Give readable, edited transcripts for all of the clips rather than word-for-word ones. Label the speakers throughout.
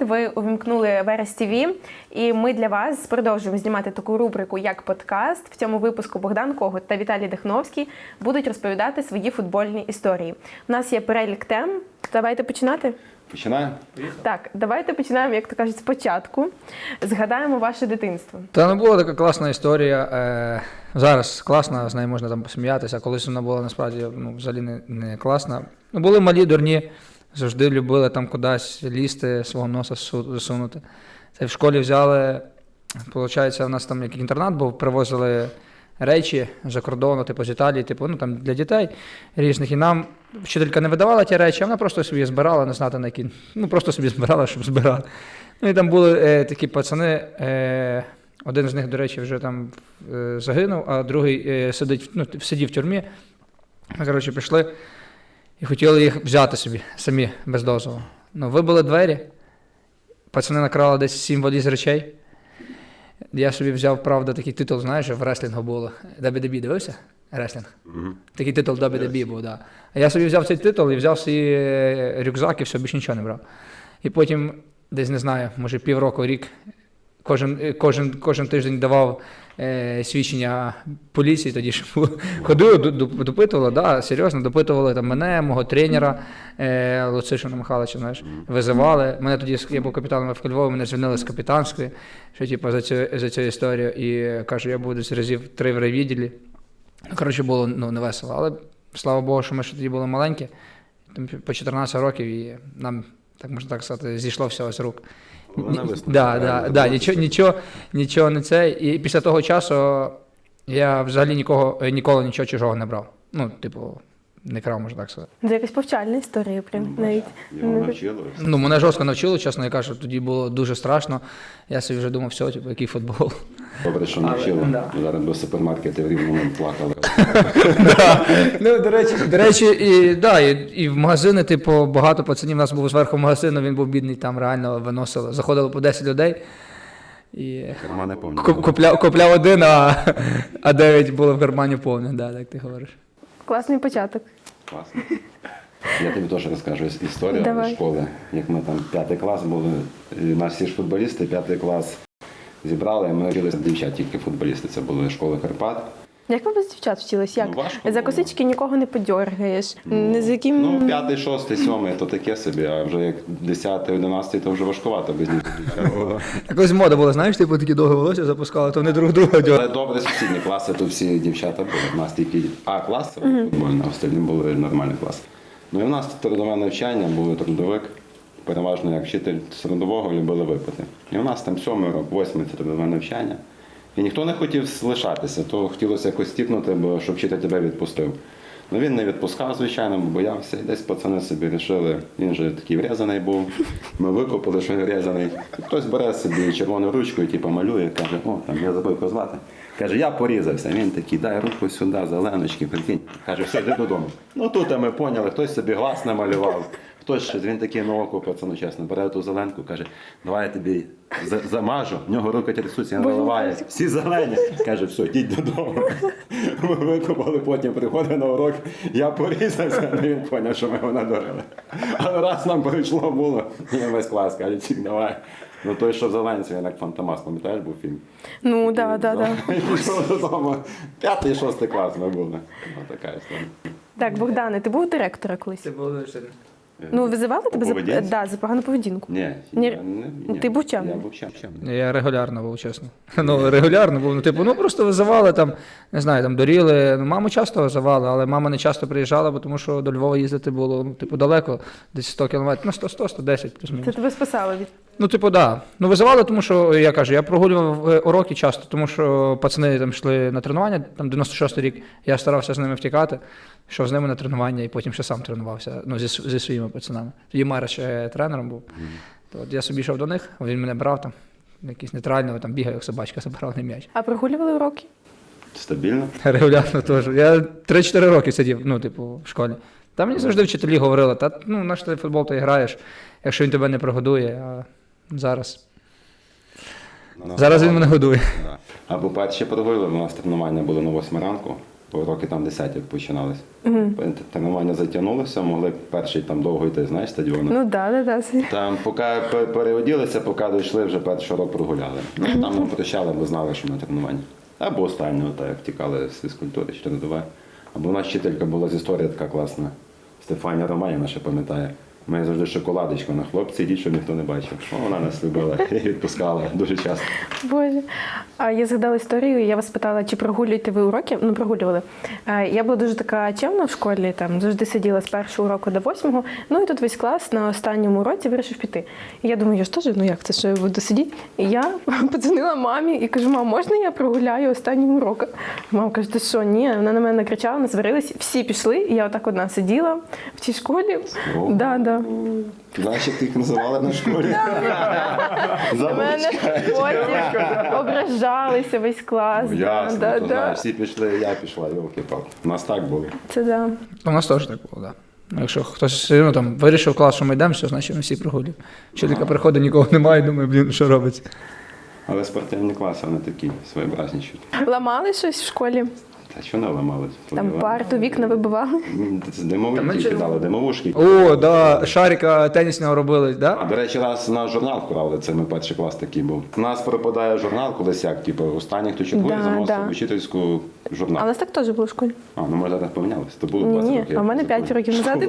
Speaker 1: ви увімкнули Верес ТВ, і ми для вас продовжуємо знімати таку рубрику, як подкаст. В цьому випуску Богдан Когут та Віталій Дихновський будуть розповідати свої футбольні історії. У нас є перелік тем. Давайте починати?
Speaker 2: Починаємо?
Speaker 1: Так, давайте починаємо, як то кажуть, спочатку. Згадаємо ваше дитинство.
Speaker 3: Та не була така класна історія. Зараз класна, з нею можна там посміятися, а колись вона була насправді взагалі не класна. Були малі, дурні, завжди любили там кудись лізти, свого носа засунути. Це в школі взяли, виходить, у нас там як інтернат був, привозили речі за кордону, типу з Італії, там для дітей різних. І нам вчителька не видавала ті речі, а вона просто собі збирала, не знати на які, просто собі збирала, щоб збирати. І там були такі пацани, один з них, до речі, вже там загинув, а другий сидів в тюрмі. Ми, пішли і хотіли їх взяти собі, самі, без дозволу. Вибили двері, пацани накрали десь 7 валіз речей. Я собі взяв, правда, такий титул, знаєш, в реслінгу було. WWE, дивився? Реслінг. Такий титул WWE був, так. А я собі взяв цей титул і взяв свій рюкзак і все, більше нічого не брав. І потім, десь, не знаю, може півроку, рік, кожен тиждень давав свідчення поліції, тоді ж ходили, допитували, да, серйозно, допитували там мене, мого тренера Луцишина Михайловича, знаєш, визивали. Мене тоді, я був капітаном в Львові, мене звільнили з капітанської, що типу за цю історію, і кажу, я буду десь разів 3 в райвідділі. Було не весело, але слава Богу, що ми ще тоді були маленькі, там по 14 років, і нам, так можна так сказати, зійшло все з рук. Нічого не це. І після того часу я взагалі ніколи нічого чужого не брав. Не крав, можна так сказати.
Speaker 1: Це якась повчальна історія, прям навіть.
Speaker 2: Його навчили.
Speaker 3: Мене жорстко навчили, чесно, я кажу, тоді було дуже страшно. Я собі вже думав, все, який футбол.
Speaker 2: Добре, що навчили. Зараз до супермаркетів рівно ми плакали.
Speaker 3: До речі, і в магазини, багато пацанів, у нас був зверху магазин, він був бідний, там реально виносили. Заходило по 10 людей. І купляв один, а 9 було в кармані повне, так ти говориш.
Speaker 1: Класний початок.
Speaker 2: Класно. Я тобі теж розкажу історію з школи. Як ми там 5 клас були, у нас всі ж футболісти, 5 клас зібрали, і ми вчилися дівчат, тільки футболісти. Це були школи Карпат.
Speaker 1: Як ви без дівчат вчились? Як?
Speaker 2: Важко
Speaker 1: за косички нікого не подьоргаєш. Не з яким...
Speaker 2: 5, 6, 7 то таке собі, а вже як 10, 11 то вже важкувато без них.
Speaker 3: Якось мода була, знаєш, такі довге волосся запускали, то вони друг друга дьоргали.
Speaker 2: Але добре, сусідні класи, то всі дівчата були. У нас тільки А-клас, це футбольний, а остальні були нормальні класи. І в нас трудове навчання, був трудовик, переважно як вчитель з трудового любили випити. І у нас там 7 рок, 8 це трудове навчання. І ніхто не хотів лишатися, то хотілося якось стіпнути, бо щоб вчитель тебе відпустив. Він не відпускав, звичайно, бо боявся. І десь пацани собі вирішили, він же такий врізаний був, ми викупили, що він врізаний. Хтось бере собі червону ручку і малює, каже, я забув його звати. Каже, я порізався. Він такий, дай руку сюди, зеленочки, прикинь. Каже, все, йди додому. Тут ми поняли, хтось собі глаз намалював. Хтось щось, він такий на око, пацану, чесно, бере ту зеленку, каже, давай я тобі замажу, в нього руки трясуться, він виливає, всі зелені. Каже, все, йдіть додому. Ми викупали, потім приходить на урок, я порізався, він поняв, що ми його надурили. Але раз нам прийшло було, і весь клас каже, тік, давай. Той, що в Зеленці, він як Фантомас, пам'ятаєш, був фільм?
Speaker 1: Так.
Speaker 2: І пішов додому, 5, 6 клас ми були. Така історія.
Speaker 1: Так, Богдане, ти був директора колись?
Speaker 3: Це було
Speaker 1: визивали тебе за погану поведінку?
Speaker 2: Ні.
Speaker 1: Ти був чим?
Speaker 2: Я був чим.
Speaker 3: Я регулярно був, чесно. Регулярно був. Просто визивали, не знаю, доріли. Маму часто визивали, але мама не часто приїжджала, тому що до Львова їздити було, далеко, десь 100 кілометрів, 100-110.
Speaker 1: Це тебе спасало від?
Speaker 3: Визивали, тому що, я прогулював уроки часто, тому що пацани там йшли на тренування, 96-й рік, я старався з ними втікати, йшов з ними на тренування і потім ще сам тренувався, зі своїми пацанами. Тоді Мара ще тренером був. Я собі йшов до них, він мене брав, якийсь нейтральний, бігав, як собачка, забирав на м'яч.
Speaker 1: А прогулювали уроки?
Speaker 2: Стабільно?
Speaker 3: Регулярно теж. Я 3-4 роки сидів, в школі. Там мені завжди вчителі говорили, наш ти футбол ти граєш, якщо він тебе не прогодує, а зараз він мене годує.
Speaker 2: Або перші прогули, у нас тренування були на 8 ранку, роки там 10 як починалися. Тренування затягнулося, могли перший там довго йти, знаєш, стадіону.
Speaker 1: Ну да.
Speaker 2: Там поки переоділися, поки дійшли, вже перший рок прогуляли. Ну, там нам прощали, бо знали, що на тренуванні. Або останнього, так, як тікали з фізкультури, чи тренування. Або у нас вчителька була з історії така класна. Стефанія Романівна ще пам'ятає. Ми завжди шоколадочку на хлопці, йдіть, щоб ніхто не бачив. О, вона нас любила і відпускала дуже часто.
Speaker 1: Боже. А я згадала історію, я вас питала, чи прогулюєте ви уроки? Ну, прогулювали. Я була дуже така чемна в школі, там завжди сиділа з першого уроку до 8-го. Ну і тут весь клас на останньому уроці вирішив піти. І я думаю, я ж теж, ну як це, що я буду сидіти? І я подзвонила мамі і кажу: мам, можна я прогуляю останній урок? Мама каже: ти що, ні? Вона на мене накричала, насварилась, всі пішли, і я отак одна сиділа в цій школі.
Speaker 2: О.
Speaker 1: Да.
Speaker 2: Знаєш, як ти їх називали на школі?
Speaker 1: На мене потім ображалися весь клас.
Speaker 2: Ну, ясно,
Speaker 1: Да.
Speaker 2: то знаєш, всі пішли, я пішла, йолки-палки. У нас так було.
Speaker 1: Це да.
Speaker 3: У нас теж так було, так. Да. Якщо хтось там вирішив клас, що ми йдемо, все, значить ми всі прогулюємо. Вчителька приходить, нікого немає, думає, блін, що робиться.
Speaker 2: Але спортивні класи, вони такі своєобразніші.
Speaker 1: Ламали щось в школі?
Speaker 2: Та що не ламались?
Speaker 1: Там парту, вікна вибивали?
Speaker 2: Димовушки кидали, димовушки.
Speaker 3: О, да, шарика тенісного робили,
Speaker 2: А,
Speaker 3: да?
Speaker 2: до речі, раз на журнал вкрали, це ми перший клас такий був. У нас пропадає журнал колись як, типу, останній, хто чекує,
Speaker 1: Да,
Speaker 2: заносив
Speaker 1: да.
Speaker 2: в учительську журнал.
Speaker 1: А у нас так теж було в школі.
Speaker 2: А, ну може зараз помінялось, то було 20
Speaker 1: Ні,
Speaker 2: років.
Speaker 1: а в мене
Speaker 2: я
Speaker 1: 5 років назад.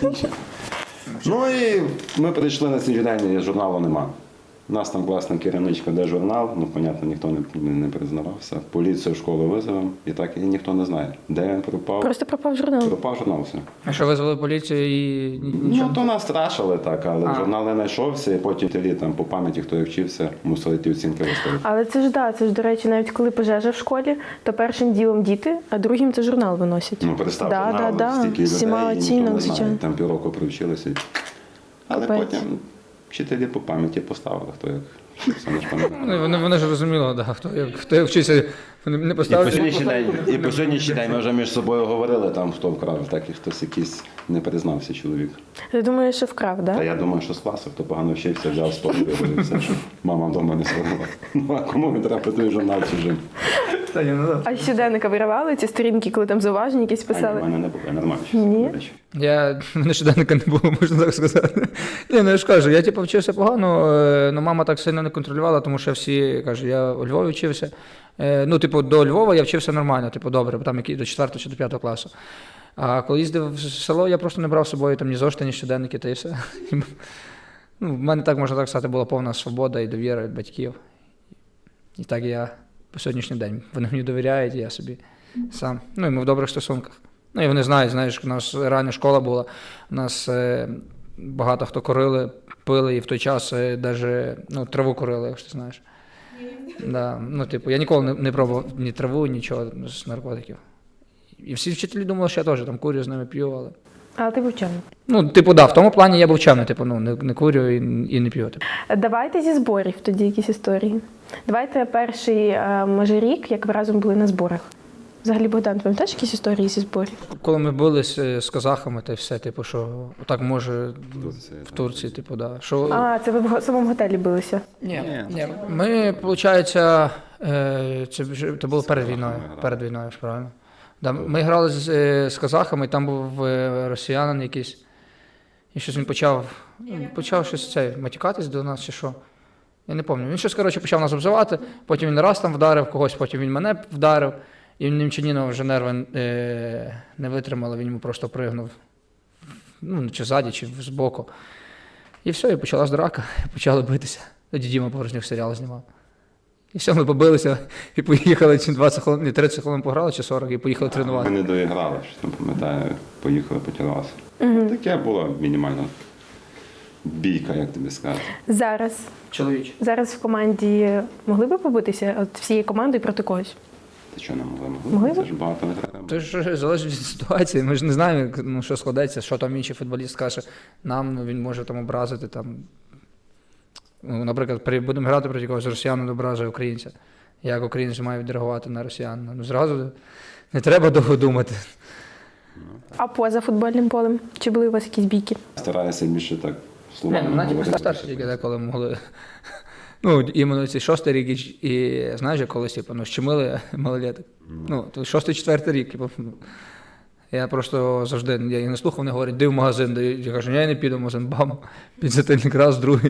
Speaker 2: Ну і ми прийшли на цей день, і журналу нема. У нас там класна керівничка, де журнал, ну, понятно, ніхто не признавався. Поліцію в школу визовемо, і так і ніхто не знає, де він пропав.
Speaker 1: Просто пропав журнал.
Speaker 2: Пропав журнал, все.
Speaker 3: А що визвали поліцію і нічого?
Speaker 2: Ну, то нас страшили так, але
Speaker 3: А.
Speaker 2: журнал не знайшовся, і потім телі там по пам'яті, хто як вчився, мусили ті оцінки виставити.
Speaker 1: Але це ж да, це ж, до речі, навіть коли пожежа в школі, то першим ділом діти, а другим це журнал виносять.
Speaker 2: Ну, представ,
Speaker 1: Да,
Speaker 2: журнал,
Speaker 1: да.
Speaker 2: стільки людей,
Speaker 1: Всіма
Speaker 2: і ніхто
Speaker 1: оцінок,
Speaker 2: не знає.
Speaker 1: звичайно.
Speaker 2: Там півроку привчилися. Але
Speaker 1: Капець.
Speaker 2: потім вчителі по пам'яті поставили, хто як вчився, не ж пам'ятаю.
Speaker 3: Вони ж розуміли, да, хто як вчився, вони не поставили.
Speaker 2: І по сьогоднішній день ми вже між собою говорили, там хто вкрав, так і хтось якийсь не признався чоловік.
Speaker 1: Ти думаєш, що вкрав,
Speaker 2: Та
Speaker 1: да?
Speaker 2: я думаю, що з класу, хто погано вчився, взяв з полі і все, що мама вдома не сварила. Ну а кому він треба той журнал чужим?
Speaker 1: А щоденника виривали ці сторінки, коли там зауваження якісь
Speaker 2: А ні, в
Speaker 1: писали?
Speaker 2: мене не було, я нормально
Speaker 1: Ні?
Speaker 2: вчився, до речі.
Speaker 3: В мене щоденника не було, можна так сказати. Ні, ну я ж кажу, я типу вчився погано, але мама так сильно не контролювала, тому що всі кажуть, я у Львові вчився. Ну, типу, до Львова я вчився нормально, типу, добре, там які до 4 чи до 5 класу. А коли їздив в село, я просто не брав з собою там ні зошити, ні щоденники, та і все. Ну, в мене так, можна так сказати, була повна свобода і довіра від батьків. І так я по сьогоднішній день. Вони мені довіряють, і я собі сам. Ну, і ми в добрих стосунках. Ну, і вони знають, знаєш, у нас рання школа була, у нас багато хто курили, пили, і в той час навіть траву курили, якщо ти знаєш. Да. Ну, типу, я ніколи не пробував ні траву, нічого з наркотиків. І всі вчителі думали, що я теж там курю, з ними п'ю, але...
Speaker 1: Але ти був чемний.
Speaker 3: Ну, типу, да, в тому плані я був чемний, типу, ну, не курю і не п'ю. Типу.
Speaker 1: Давайте зі зборів тоді якісь історії. Давайте перший, може, рік, як ви разом були на зборах. Взагалі, Богдан, пам'ятаєш якісь історії зі зборів?
Speaker 3: Коли ми бились з казахами, та й все, типу, що так може в Турції, типу, да. Що...
Speaker 1: А, це ви в самому готелі билися?
Speaker 3: Ні. Ми, виходить, це було перед війною, правильно. Да, ми грали з казахами, там був росіянин якийсь, і щось він почав щось матюкатись до нас чи що. Я не пам'ятаю. Він щось, коротше, почав нас обзивати, потім він раз там вдарив когось, потім він мене вдарив, і Немчанінова вже нерви не витримали, він йому просто пригнув, ну, чи ззаді, чи збоку. І все, і почалась драка, почали битися. Тоді Діма Повержнюк серіал знімав. І все, ми побилися і поїхали, чи 20 хвилин, 30 хвилин пограли, чи 40, і поїхали тренувати.
Speaker 2: Ми не доіграли, що там, пам'ятаю, поїхали, потягнулися. Таке було мінімально бійка, як тобі сказати.
Speaker 1: Зараз в команді могли би побитися от всією командою проти когось?
Speaker 2: Ти що не могли?
Speaker 1: Могли
Speaker 2: Це ж багато не треба.
Speaker 3: Це ж залежить від ситуації. Ми ж не знаємо, ну, що складеться, що там інший футболіст скаже нам, він може там образити. Там. Ну, наприклад, будемо грати проти когось, росіянин ображує українця. Як українець має відреагувати на росіянина? Ну, зразу не треба довго думати.
Speaker 1: А поза футбольним полем? Чи були у вас якісь бійки?
Speaker 2: Стараюся більше так
Speaker 3: Ні,
Speaker 2: словами
Speaker 3: ну, навіть
Speaker 2: говорити.
Speaker 3: старші тільки деколи могли. Ну, іменно цей 6-й рік, і знаєш, як колись, типу, ну, щемили малолеток. Ну, то 6-4 рік, типу, ну. Я просто завжди, я не слухав, вони говорять, йди в магазин, я кажу, я не піду в магазин, бам, підзатильник раз, другий.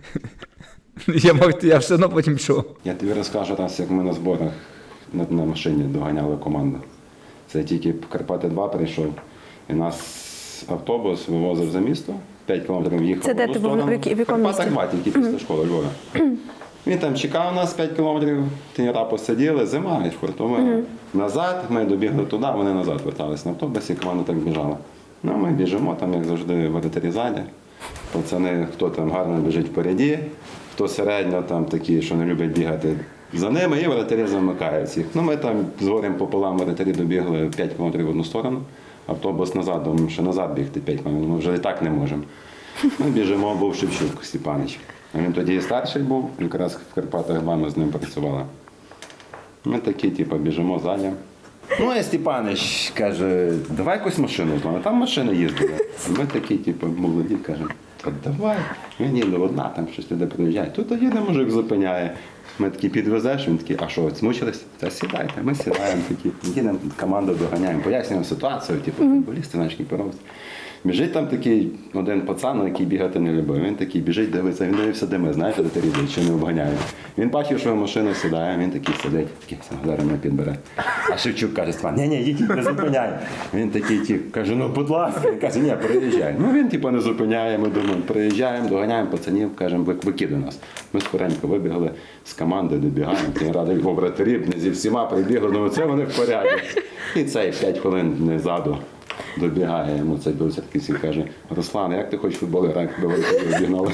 Speaker 3: Я все одно потім пішов.
Speaker 2: Я тобі розкажу раз, як ми на зборах на машині доганяли команду. Це тільки Карпати-2 прийшов, і нас автобус вивозив за місто, 5 кілометрів їхав.
Speaker 1: Це де ти був, в якому місті?
Speaker 2: Карпати-2, тільки після школи Львова. Він там чекав нас 5 кілометрів, тренера посиділи, зима, і фортовина. Назад, ми добігли туди, вони назад вертались на автобусі, команда так біжала. Ну, ми біжимо, там, як завжди, воротарі ззаді. Пацани, хто там гарно біжить впереді, хто середньо там такі, що не люблять бігати за ними, і воротарі замикають їх. Ну, ми там з горем пополам воротарі добігли 5 кілометрів в одну сторону, автобус назад, думаю, що назад бігти 5 кілометрів, ми вже і так не можемо. Ми біжимо, був Шевчук Степанич. А він тоді і старший був, якраз в Карпатах-2 ми з ним працювали. Ми такі, типу, біжимо ззаді. Ну, а Степанич каже, давай якусь машину зламаємо. Там машина їздила. Ми такі, типу, молоді, кажемо, та давай. Він їде одна, там щось туди приїжджає. Тут їде мужик зупиняє. Ми такі підвезеш, він такий, а що, змучились? Та сідайте, ми сідаємо такі, їдемо, команду доганяємо, пояснюємо ситуацію, типу, футболісти, наші кіперовці. Біжить там такий один пацан, який бігати не любив. Він такий біжить, дивиться, він дивився, де ми, знаєте, де різать, чи не обганяють. Він бачив, що в машину сідає, він такий сидить, такий, зараз мене підбере. А Шевчук каже, Степан, ні, їдь, не зупиняй. Він такий, каже, ну, будь ласка. Він каже, ні, приїжджай. Ну, він, типу, не зупиняє, ми думаємо, приїжджаємо, доганяємо пацанів, кажемо, викидай нас. Ми скоренько вибігли з команди, добігаємо, ті ради в вратарів, зі всіма прибігли, ну, це вони в порядку. І цей 5 хвилин не ззаду. Добігає йому цей білоцерківський і каже, Руслан, як ти хочеш в футбол грати, якби воротарі обігнали?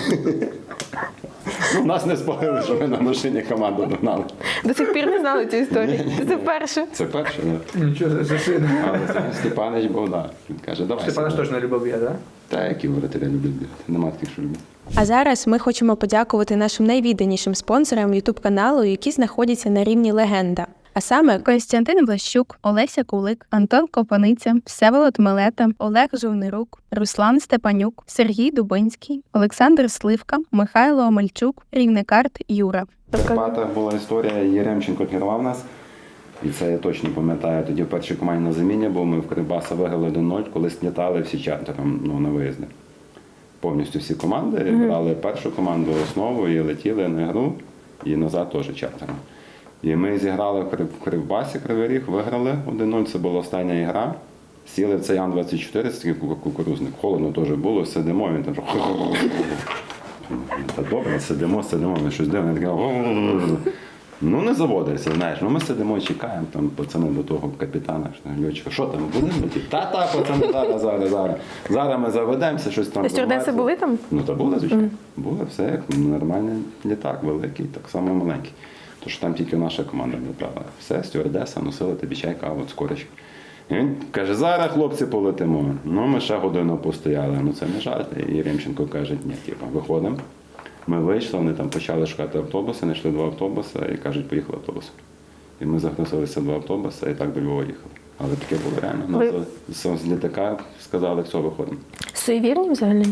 Speaker 2: Ну, нас не спалили, що ми на машині команду догнали.
Speaker 1: До сих пір не знали цю історію.
Speaker 2: Ні.
Speaker 1: Це вперше.
Speaker 2: Це перше, так.
Speaker 3: Нічого за сина.
Speaker 2: Але це Степанич був, так. Він каже, давай.
Speaker 3: Степанич
Speaker 2: сідай.
Speaker 3: точно любив бігати, так?
Speaker 2: Та, які воротарі люблять бігати. Нема таких, що люблять.
Speaker 1: А зараз ми хочемо подякувати нашим найвідданішим спонсорам YouTube каналу, які знаходяться на рівні легенда. А саме
Speaker 4: Костянтин Влащук, Олеся Кулик, Антон Копаниця, Всеволод Милета, Олег Жовнирук, Руслан Степанюк, Сергій Дубинський, Олександр Сливка, Михайло Омельчук, Рівнекарт Юра.
Speaker 2: В Карпатах була історія, Єремченко керував нас. І це я точно пам'ятаю. Тоді в першій команді на заміні був, ми в Кривбаса виграли 1-0, коли снятали всі чартером, ну, на виїзди. Повністю всі команди брали першу команду основу і летіли на гру, і назад теж чартером. І ми зіграли в Кривбасі, Кривий Ріг, виграли 1-0, це була остання ігра. Сіли в цей Ан-24, це такий кукурузник, холодно теж було, сидимо, він там. Та добре, сидимо, ми щось дивимо, таке. Ну, не заводиться, знаєш. Ну, ми сидимо і чекаємо, там пацани до того капітана, льотчика, що там, будемо летіти? Та, пацани, зараз. Зараз ми заведемося, щось там.
Speaker 1: Стюардеси були там?
Speaker 2: Ну, та були, звичайно. Були, все як нормальний літак, великий, так само маленький. Тож там тільки наша команда літала. Все, стюардеса, носили тобі чай, каву, цукорочки. І він каже, зараз, хлопці, полетимо. Ну, ми ще годину постояли. Ну, це не жарт. І Єремченко каже, ні, типу, виходимо. Ми вийшли, вони там почали шукати автобуси, знайшли 2 автобуси і кажуть, поїхали автобусом. І ми загрузилися 2 автобуси і так до Львова їхали. Але таке було реально. Нас з літака сказали, все, виходимо.
Speaker 1: Суєвірні взагалі?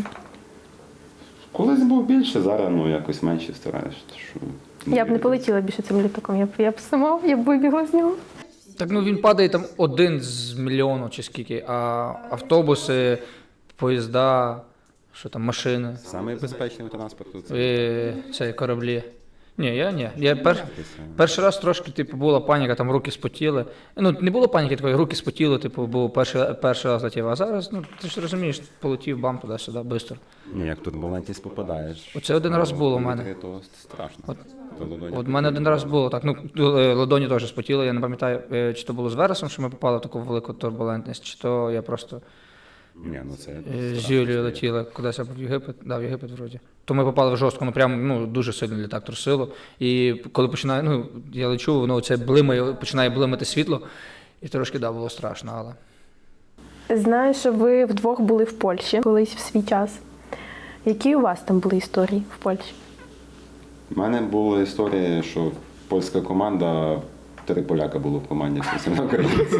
Speaker 2: Колись був більше, зараз ну, якось менше стараєш.
Speaker 1: Я б не полетіла більше цим літаком, я б сама, я б вибігла з нього.
Speaker 3: Так, ну він падає там 1 з мільйону чи скільки, а автобуси, поїзда, що там, машини,
Speaker 2: Самий безпечний транспорт. Це
Speaker 3: це кораблі. Ні. Я перший раз трошки, типу, була паніка, там руки спотіли. Ну, не було паніки такої, руки спотіли, типу, був перший раз летів. А зараз, ну, ти ж розумієш, полетів бам туди-сюди, швидко.
Speaker 2: Ні, як турбулентність попадаєш.
Speaker 3: Оце один раз було в мене.
Speaker 2: То страшно.
Speaker 3: От в мене один раз було так. Ну, ладоні теж спотіли, я не пам'ятаю, чи то було з Вересом, що ми попали в таку велику турбулентність, чи то я просто
Speaker 2: Ні, ну це
Speaker 3: з Юлією летіли кудись або в Єгипет, в Єгипет вроді. То ми попали в жорстко, ну прям дуже сильно літак трусило. І коли починає, я лечу, воно це блимає, починає блимати світло, і трошки було страшно, але.
Speaker 1: Знаю, що ви вдвох були в Польщі колись в свій час. Які у вас там були історії в Польщі?
Speaker 2: У мене була історія, що польська команда, 3 поляка було в команді, всі на українці.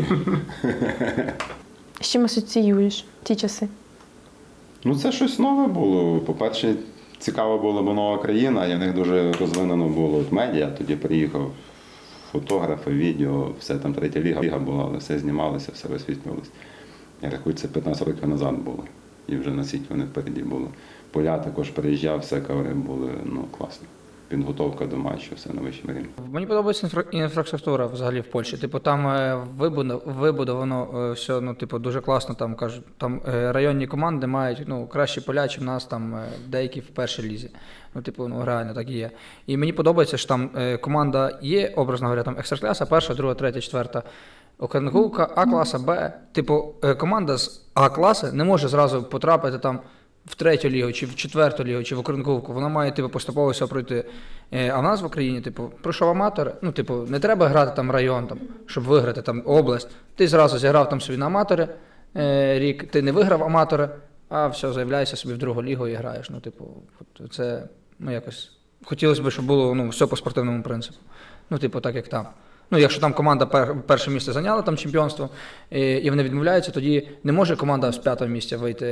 Speaker 1: З чим асоціюєш ті часи?
Speaker 2: Ну це щось нове було. По-перше, цікаво було, бо нова країна, і в них дуже розвинено було от медіа. Тоді приїхав фотографи, відео, все там третя ліга була, але все знімалося, все висвітлювалося. Я рахую, це 15 років назад було. І вже наскільки вони впереді були. Поля також приїжджав, все кавери були, ну, класно. Підготовка до матчу, все на вищому рівні.
Speaker 3: Мені подобається інфраструктура взагалі в Польщі. Типу, там вибудовано все, ну, типу, дуже класно. Там кажуть, там районні команди мають ну, кращі поля, ніж в нас там деякі в першій лізі. Ну, типу, ну реально так і є. І мені подобається, що там команда є, образно говоря, там екстракласа, перша, друга, третя, четверта. Окренковка, А-класа, Б. Типу, команда з А-класи не може зразу потрапити там в третю лігу, чи в четверту лігу, чи в Окренковку. Вона має типу, поступово все пройти. А в нас в Україні, типу, пройшов аматор, ну, типу, не треба грати там район, там, щоб виграти там область. Ти зразу зіграв там собі на аматори рік, ти не виграв аматори, а все, заявляєшся собі в другу лігу і граєш. Ну, типу, це, ну, якось, хотілося б, щоб було, ну, все по спортивному принципу. Ну, типу, так, як там. Ну, якщо там команда перше місце зайняла там чемпіонство, і вони відмовляються, тоді не може команда з п'ятого місця вийти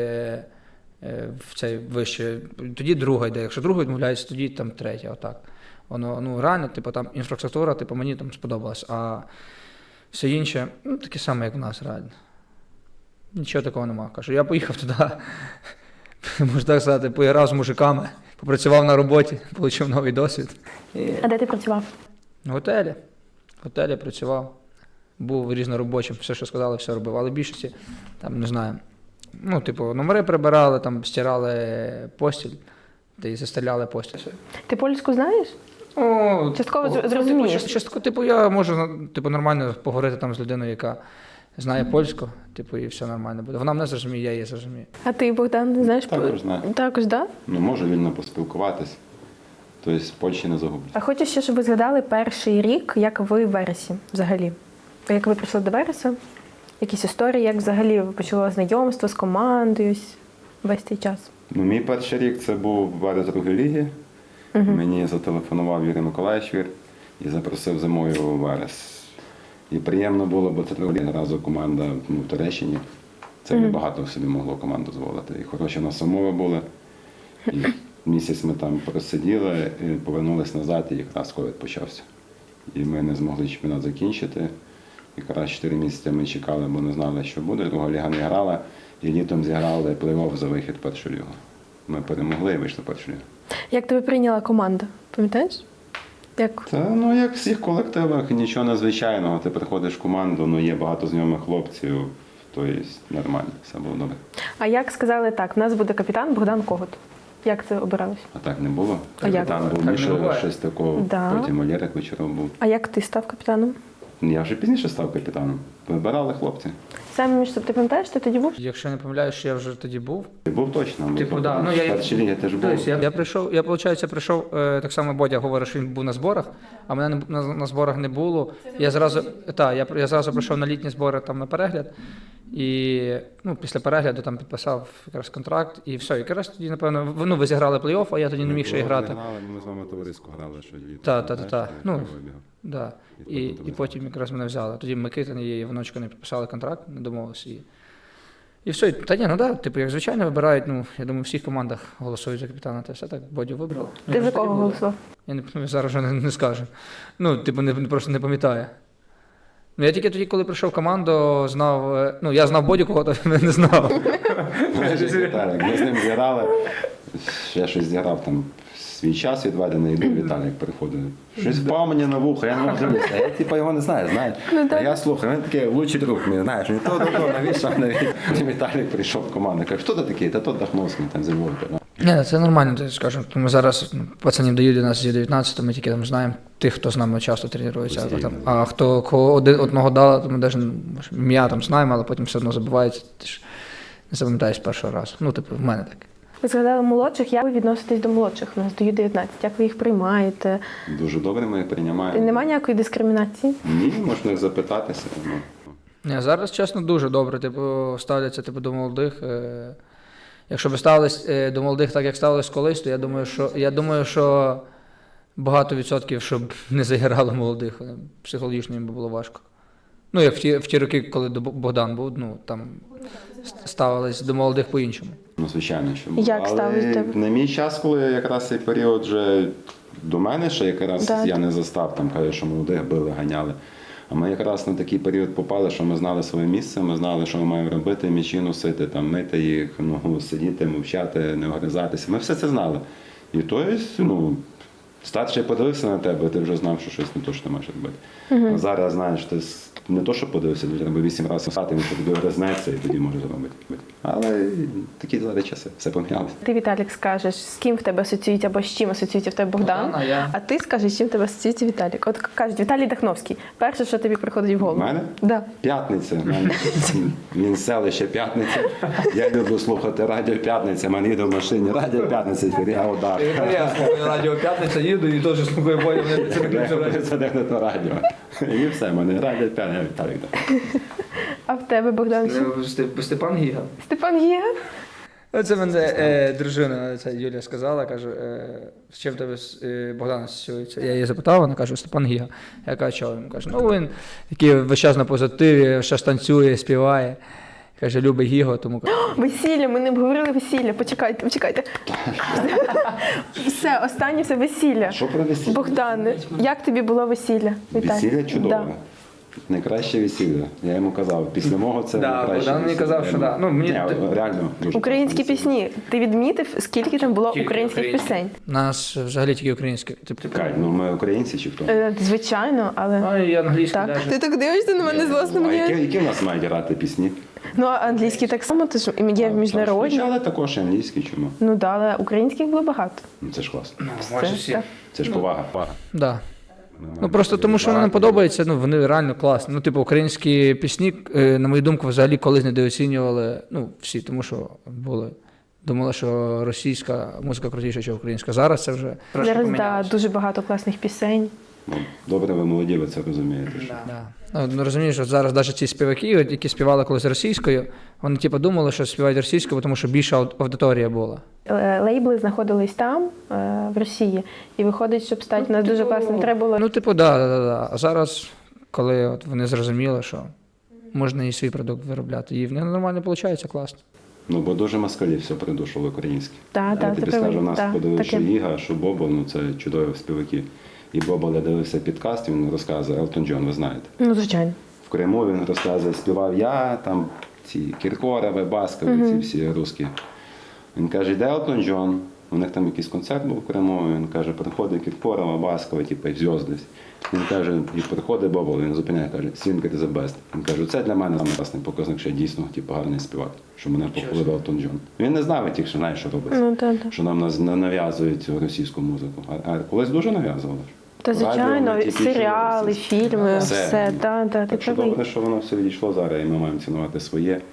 Speaker 3: в цей вище. Тоді друга йде. Якщо друга відмовляється, тоді там третя. Отак. Воно, ну, реально, типу, там інфраструктура, типу, мені там сподобалась. А все інше, ну, таке саме, як в нас, реально. Нічого такого нема. Кажу, я поїхав туди, можна так сказати, поіграв з мужиками, попрацював на роботі, отримав новий досвід.
Speaker 1: А де ти працював?
Speaker 3: В готелі. В готелі працював, був різноробочим, все, що сказали, все робив. Але в більшості, там, не знаю, ну, типу, номери прибирали, там, стирали постіль, та й застеляли постіль.
Speaker 1: Ти польську знаєш?
Speaker 3: О,
Speaker 1: Частково
Speaker 3: типу,
Speaker 1: зрозумієш.
Speaker 3: Частково, типу, я можу, типу, нормально поговорити там з людиною, яка знає польську, типу, і все нормально буде. Вона мене зрозуміє, я її зрозумію.
Speaker 1: А ти, Богдан, знаєш?
Speaker 2: Також знаю.
Speaker 1: Також, так? Да?
Speaker 2: Ну, можу вільно поспілкуватись. Тобто в Польщі не загублю.
Speaker 1: А хочу ще, щоб ви згадали перший рік, як ви в Вересі взагалі. Як ви прийшли до Вереса? Якісь історії, як взагалі ви почали знайомство з командою весь цей час?
Speaker 2: Ну, мій перший рік це був Верес другої ліги. Мені зателефонував Юрій Миколаївич Вір і запросив зимою у Верес. І приємно було, бо це друга ліга, разу команда ну, в Туреччині. Це небагато собі могло команду дозволити. І хороші у нас умови були. І місяць ми там просиділи, і повернулись назад, і якраз ковід почався. І ми не змогли чемпіонат закінчити. Якраз 4 місяці ми чекали, бо не знали, що буде. Друга ліга не грала, і літом зіграли плей-офф за вихід в першу лігу. Ми перемогли і вийшли в першу лігу.
Speaker 1: Як тебе прийняла команда? Пам'ятаєш? Як?
Speaker 2: Та, ну, як в всіх колективах, нічого надзвичайного. Ти приходиш в команду, ну, є багато знайомих хлопців, тобто нормально, все було добре.
Speaker 1: А як сказали так, в нас буде капітан Богдан Когут? Як це обиралось?
Speaker 2: А так не було.
Speaker 1: А як?
Speaker 2: Там був
Speaker 3: Так не
Speaker 2: Міша
Speaker 3: буває.
Speaker 2: Шестаков,
Speaker 1: Да.
Speaker 2: потім Олєрик Вечоров був.
Speaker 1: А як ти став капітаном?
Speaker 2: Я вже пізніше став капітаном. Вибирали хлопці.
Speaker 1: Саме між собою, ти пам'ятаєш, ти тоді був?
Speaker 3: Якщо я не помиляюсь, що я вже тоді був.
Speaker 2: Ти був точно. бо
Speaker 3: Типу,
Speaker 2: то
Speaker 3: да. Ну,
Speaker 2: в першій лігі теж був.
Speaker 3: Тобто, я прийшов, виходить, прийшов, так само Бодя говорить, що він був на зборах, а мене на зборах не було. Я зразу прийшов на літні збори там на перегляд. І ну, після перегляду там підписав якраз контракт і все. І якраз тоді, напевно, ну, ви зіграли плей-офф, а я тоді не міг ще і грати.
Speaker 2: Ми з вами товарисько грали, що літо.
Speaker 3: Та. Ну, да. І
Speaker 2: потім
Speaker 3: потім якраз мене взяли. Тоді Микитин і Іваночко не підписали контракт, не домовилися. І все. Та ні, ну да, типу, як звичайно вибирають, ну, я думаю, в всіх командах голосують за капітана, та все так, Бодю вибрали.
Speaker 1: Ти за кого голосував?
Speaker 3: Я зараз вже не скажу. Ну, типу, просто не пам'ятаю. Ну, я тільки тоді, коли прийшов в команду, знав, ну, я знав Бодю, кого-то не знав.
Speaker 2: Віталік, ми з ним зіграли, ще щось зіграв там свій час відведений, і Віталік приходить. Щось впав мені на вухо, я не можу дивитися. Я типу його не знаю, знаєш. А я слухаю, він такий лучший друг мій, знаєш, він то, навіщо. Віталік прийшов в команду, каже, хто ти такий? Та то Дахновський, там зі Львова.
Speaker 3: Ні, це нормально, ти скажу. Ми зараз пацанів дають до нас з 19, ми тільки там знаємо тих, хто з нами часто тренується. А хто кого одного дали, то ми навіть ім'я там знаємо, але потім все одно забувається. Ти ж не запам'ятаєш першого разу. Ну, типу, в мене так.
Speaker 1: Ви згадали молодших, як ви відноситесь до молодших? У нас до Ю-19, як ви їх приймаєте?
Speaker 2: Дуже добре ми їх приймаємо.
Speaker 1: Немає ніякої дискримінації?
Speaker 2: Ні, можна запитатися. Ну.
Speaker 3: Ні, зараз, чесно, дуже добре. Типу, ставляться до молодих. Якщо б ставились до молодих так, як ставились колись, то я думаю, що багато відсотків, щоб не загирали молодих. Психологічно їм би було важко. Ну, як в ті роки, коли Богдан був, ну, там ставились до молодих по-іншому.
Speaker 2: Ну, звичайно, що було.
Speaker 1: Як ставились до тебе?
Speaker 2: на мій час, коли якраз цей період вже до мене ще якраз
Speaker 1: Да.
Speaker 2: я не застав, там кажуть, що молодих били, ганяли. А ми якраз на такий період попали, що ми знали своє місце, ми знали, що ми маємо робити, м'ячі носити, там, мити їх, сидіти, мовчати, не огризатися. Ми все це знали. І тобто, ну, старший подивився на тебе, ти вже знав, що щось не то, що ти маєш робити. А зараз, знаєш, ти не то, що подивився, тобі треба 8 разів встати, він тобі гризнеться і тоді може зробити. Але такі зараз часи, все помінялося.
Speaker 1: Ти, Віталік, скажеш, з ким в тебе асоціюється або з чим асоціюється в тебе Богдан,
Speaker 3: Богдан, а я?
Speaker 1: а ти скажеш, з чим в тебе асоціюється Віталік. От кажуть, Віталій Дахновський. Перше, що тобі приходить в
Speaker 2: У
Speaker 1: голову.
Speaker 2: мене?
Speaker 1: Да.
Speaker 2: П'ятниця. В мене Він селище П'ятниця. Я люблю слухати радіо П'ятниця. Мене їде в машині радіо П'ятниця, я удар.
Speaker 3: Я слухаю радіо «П'ятниця», їду і теж слухаю бою,
Speaker 2: Це не то радіо. І все, мене радіо П'ятниця. Віталік.
Speaker 1: А в тебе, Богдан?
Speaker 3: Степан Гіга.
Speaker 1: Степан Гіга?
Speaker 3: Це мене дружина, це Юлія сказала, каже, з чим тебе Богдан асоціюється? Я її запитав, вона каже, Степан Гіга. Я кажу, чого? Він каже, ну він який весь час на позитиві, щось танцює, співає. Каже, любить Гіго, тому каже,
Speaker 1: Весілля, ми не обговорили весілля. Почекайте. Все, останнє все весілля.
Speaker 2: Що про весілля?
Speaker 1: Богдане, як тобі було весілля? Віталій?
Speaker 2: Весілля чудове.
Speaker 1: Да.
Speaker 2: Найкраще весілля. Я йому казав, після мого це
Speaker 3: Да,
Speaker 2: найкраще
Speaker 3: Богдан мені
Speaker 2: весілля.
Speaker 3: казав, що да. Ну, мені-
Speaker 2: Ні, реально дуже
Speaker 1: Українські
Speaker 2: класне весілля.
Speaker 1: пісні. Ти відмітив, скільки там було
Speaker 3: Тільки
Speaker 1: українських
Speaker 3: українські.
Speaker 1: пісень?
Speaker 3: у нас взагалі тільки українське. Типу,
Speaker 2: Кать, ну ми українці чи хто?
Speaker 1: Звичайно, але...
Speaker 3: а і англійське
Speaker 1: Так.
Speaker 3: навіть.
Speaker 1: Ти так дивишся на мене злосно
Speaker 2: А
Speaker 1: мені.
Speaker 2: які в нас мають грати пісні?
Speaker 1: Ну, а англійські так само, ти ж є міжнародні.
Speaker 2: Але також і англійські, чому?
Speaker 1: Ну да, але українських було багато.
Speaker 2: Ну, це ж класно.
Speaker 3: Майже всі.
Speaker 1: Так.
Speaker 2: Це ж повага.
Speaker 3: Да. Ну просто тому, що вони подобаються, ну вони реально класні. Ну, типу, українські пісні, на мою думку, взагалі колись недооцінювали, ну, всі, тому що думали, що російська музика крутіша, ніж українська. Зараз це вже трошки
Speaker 1: Зараз
Speaker 3: помінялося.
Speaker 1: дуже багато класних пісень.
Speaker 2: Ну, добре, ви молоді, ви це розумієте. Що...
Speaker 3: Да. Ну, розумієш, що зараз навіть ці співаки, от, які співали колись російською, вони типу думали, що співають російською, тому що більша аудиторія була.
Speaker 1: Лейбли знаходились там, в Росії, і виходить, щоб стати у нас дуже класним, треба було.
Speaker 3: Ну, типу, да. А зараз, коли от вони зрозуміли, що можна і свій продукт виробляти, і в них нормально виходить, класно.
Speaker 2: Ну, бо дуже москалів все придушили українське.
Speaker 1: Так,
Speaker 2: Я
Speaker 1: так,
Speaker 2: тобі
Speaker 1: це
Speaker 2: скажу,
Speaker 1: правда.
Speaker 2: нас
Speaker 1: Так,
Speaker 2: подивився, що
Speaker 1: таке.
Speaker 2: Іга, що Бобо, ну це чудові співаки. І Бобо, я дивився підкаст, він розказує, Елтон Джон, ви знаєте.
Speaker 1: Ну, звичайно.
Speaker 2: В Криму він розказує, співав я, там ці Кіркорове, Баскові, ці всі русські. Він каже, йде Елтон Джон, у них там якийсь концерт був в Криму, він каже, приходить Кіркорова, Баскова, типу, зв'язки. Він каже, і приходить Бобо, він зупиняє, каже, Singer is the best. Він каже, це для мене найкрасний показник, що я дійсно типу, гарний співак, що мене похвалив Елтон Джон. Він не знав, тільки що знає, що робиться.
Speaker 1: Ну, так.
Speaker 2: Що нам нав'язують російську музику. А колись дуже нав'язували.
Speaker 1: Та, звичайно,
Speaker 2: Радіо, тільки
Speaker 1: серіали,
Speaker 2: чули.
Speaker 1: фільми,
Speaker 2: Все.
Speaker 1: все. Так, ти
Speaker 2: Так що
Speaker 1: правий.
Speaker 2: добре, що воно все відійшло зараз, і ми маємо цінувати своє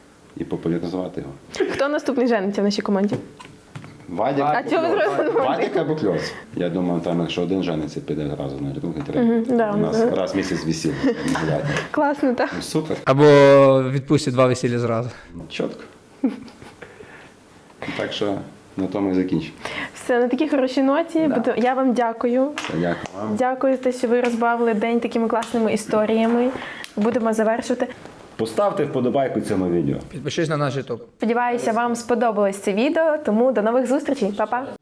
Speaker 2: і популяризувати його.
Speaker 1: Хто наступний жениться в нашій команді?
Speaker 2: Вадик,
Speaker 1: А чого ви зразу на Вадика?
Speaker 2: Вадик або Кльос. Я думаю, там, якщо один жениться, піде зразу на другий, третій.
Speaker 1: да,
Speaker 2: У нас
Speaker 1: да.
Speaker 2: раз в місяць весілля.
Speaker 1: Класно, так.
Speaker 2: Ну, супер,
Speaker 3: Або відпустять 2 весілля зразу.
Speaker 2: чітко. Так що на тому і закінчимо.
Speaker 1: Все, на такій хорошій ноті. Я вам дякую.
Speaker 2: Дякую вам.
Speaker 1: Дякую за те, що ви розбавили день такими класними історіями. Будемо завершувати.
Speaker 2: Поставте вподобайку цьому відео.
Speaker 3: Підпишись на наш YouTube.
Speaker 1: Сподіваюся, вам сподобалось це відео, тому до нових зустрічей. Па-па!